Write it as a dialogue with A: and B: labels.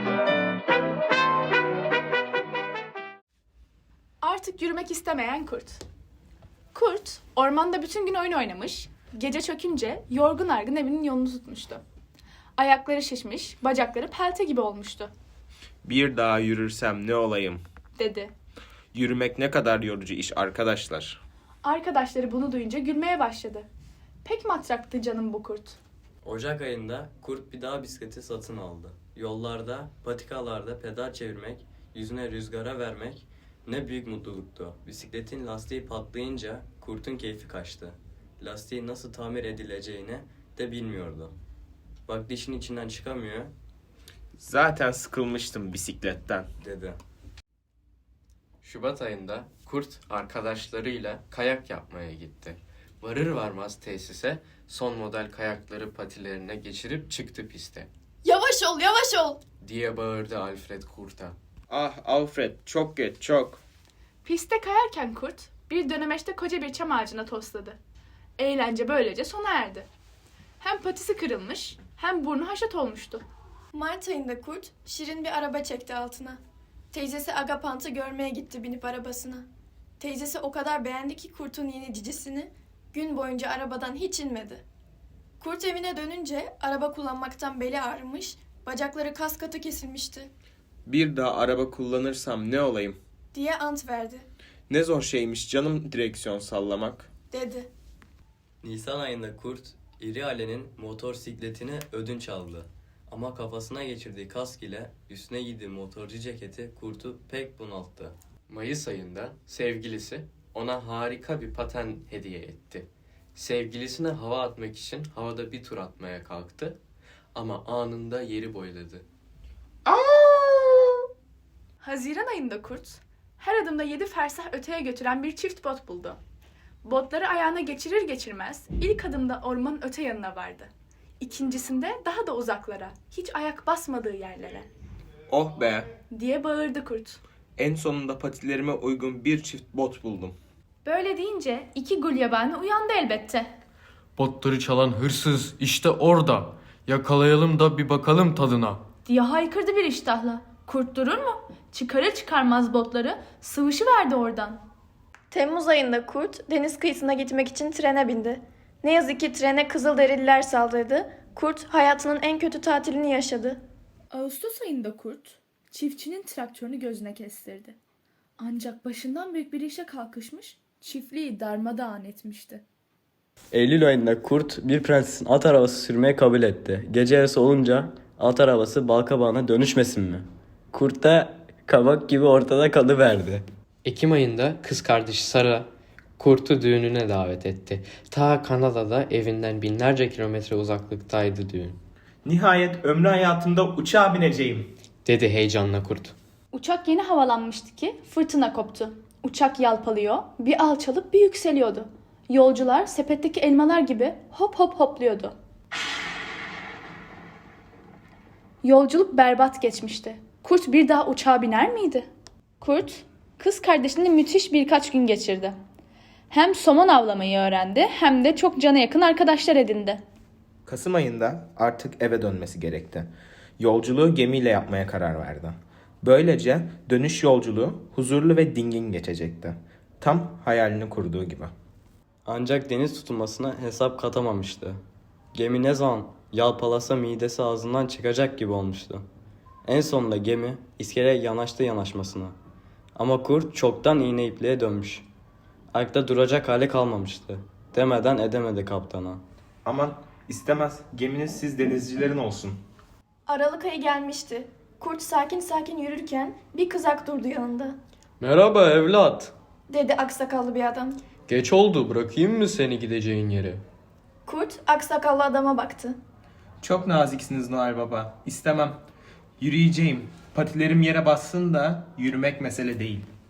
A: Artık yürümek istemeyen kurt. Kurt, ormanda bütün gün oyun oynamış, gece çökünce yorgun argın evinin yolunu tutmuştu. Ayakları şişmiş, bacakları pelte gibi olmuştu,
B: Bir daha yürürsem ne olayım?
A: dedi.
B: Yürümek ne kadar yorucu iş arkadaşlar.
A: Arkadaşları bunu duyunca gülmeye başladı. Pek matraktı canım bu kurt.
C: Ocak ayında kurt bir daha bisikleti satın aldı. Yollarda, patikalarda pedal çevirmek, yüzüne rüzgara vermek ne büyük mutluluktu. Bisikletin lastiği patlayınca kurtun keyfi kaçtı. Lastiği nasıl tamir edileceğini de bilmiyordu. Baktı işin içinden çıkamıyor,
B: Zaten sıkılmıştım bisikletten.
C: dedi.
D: Şubat ayında kurt arkadaşlarıyla kayak yapmaya gitti. Varır varmaz tesise son model kayakları patilerine geçirip çıktı piste.
A: Yavaş ol, yavaş ol!
D: Diye bağırdı Alfred kurta.
B: Ah Alfred, çok geç, çok.
A: Pistte kayarken kurt bir dönemeçte koca bir çam ağacına tosladı. Eğlence böylece sona erdi. Hem patisi kırılmış hem burnu haşat olmuştu.
E: Mart ayında kurt şirin bir araba çekti altına. Teyzesi Agapant'ı görmeye gitti binip arabasına. Teyzesi o kadar beğendi ki kurtun yeni cicisini, gün boyunca arabadan hiç inmedi. Kurt evine dönünce araba kullanmaktan beli ağrımış, bacakları kas katı kesilmişti
B: Bir daha araba kullanırsam ne olayım?
E: diye ant verdi,
B: Ne zor şeymiş canım direksiyon sallamak.
E: dedi.
C: Nisan ayında kurt, İri Ali'nin motosikletini ödünç aldı. Ama kafasına geçirdiği kask ile üstüne giydiği motorcu ceketi kurtu pek bunalttı.
D: Mayıs ayında sevgilisi ona harika bir paten hediye etti. Sevgilisine hava atmak için havada bir tur atmaya kalktı ama anında yeri boyladı.
A: Haziran ayında kurt, her adımda 7 fersah öteye götüren bir çift bot buldu. Botları ayağına geçirir geçirmez ilk adımda ormanın öte yanına vardı. İkincisinde daha da uzaklara, hiç ayak basmadığı yerlere,
B: Oh be,
A: diye bağırdı kurt.
B: en sonunda patilerime uygun bir çift bot buldum.
A: Böyle deyince 2 gulyabani uyandı elbette.
F: Botları çalan hırsız işte orada. Yakalayalım da bir bakalım tadına.
A: Diye haykırdı bir iştahla. Kurt durur mu? Çıkarır çıkarmaz botları sıvışıverdi oradan.
E: Temmuz ayında kurt deniz kıyısına gitmek için trene bindi. Ne yazık ki trene Kızılderililer saldırdı. Kurt hayatının en kötü tatilini yaşadı.
A: Ağustos ayında kurt, çiftçinin traktörünü gözüne kestirdi. Ancak başından büyük bir işe kalkışmış, çiftliği darmadağın etmişti.
G: Eylül ayında kurt bir prensesin at arabası sürmeye kabul etti. Gece yarısı olunca at arabası balkabağına dönüşmesin mi? Kurt da kabak gibi ortada kalıverdi.
D: Ekim ayında kız kardeşi Sara kurtu düğününe davet etti. Ta Kanada'da evinden binlerce kilometre uzaklıktaydı düğün.
B: Nihayet ömrü hayatımda uçağa bineceğim.
D: Dedi heyecanla kurt.
A: Uçak yeni havalanmıştı ki fırtına koptu. Uçak yalpalıyor, bir alçalıp bir yükseliyordu. Yolcular sepetteki elmalar gibi hop hop hopluyordu. Yolculuk berbat geçmişti. Kurt bir daha uçağa biner miydi? Kurt, kız kardeşini müthiş birkaç gün geçirdi. Hem somon avlamayı öğrendi hem de çok cana yakın arkadaşlar edindi.
B: Kasım ayında artık eve dönmesi gerekti. Yolculuğu gemiyle yapmaya karar verdi. Böylece dönüş yolculuğu huzurlu ve dingin geçecekti. Tam hayalini kurduğu gibi.
C: Ancak deniz tutulmasına hesap katamamıştı. Gemi ne zaman yalpalasa midesi ağzından çıkacak gibi olmuştu. En sonunda gemi iskeleye yanaştı yanaşmasına. Ama kurt çoktan iğne ipliğe dönmüş. Ayakta duracak hali kalmamıştı. Demeden edemedi kaptana.
B: Aman istemez, geminiz siz denizcilerin olsun.
E: Aralık ayı gelmişti. Kurt sakin sakin yürürken bir kızak durdu yanında,
F: Merhaba evlat.
E: dedi aksakallı bir adam.
F: Geç oldu, bırakayım mı seni gideceğin yere?
E: Kurt aksakallı adama baktı.
B: Çok naziksiniz Noel Baba. İstemem. Yürüyeceğim. Patilerim yere bassın da yürümek mesele değil.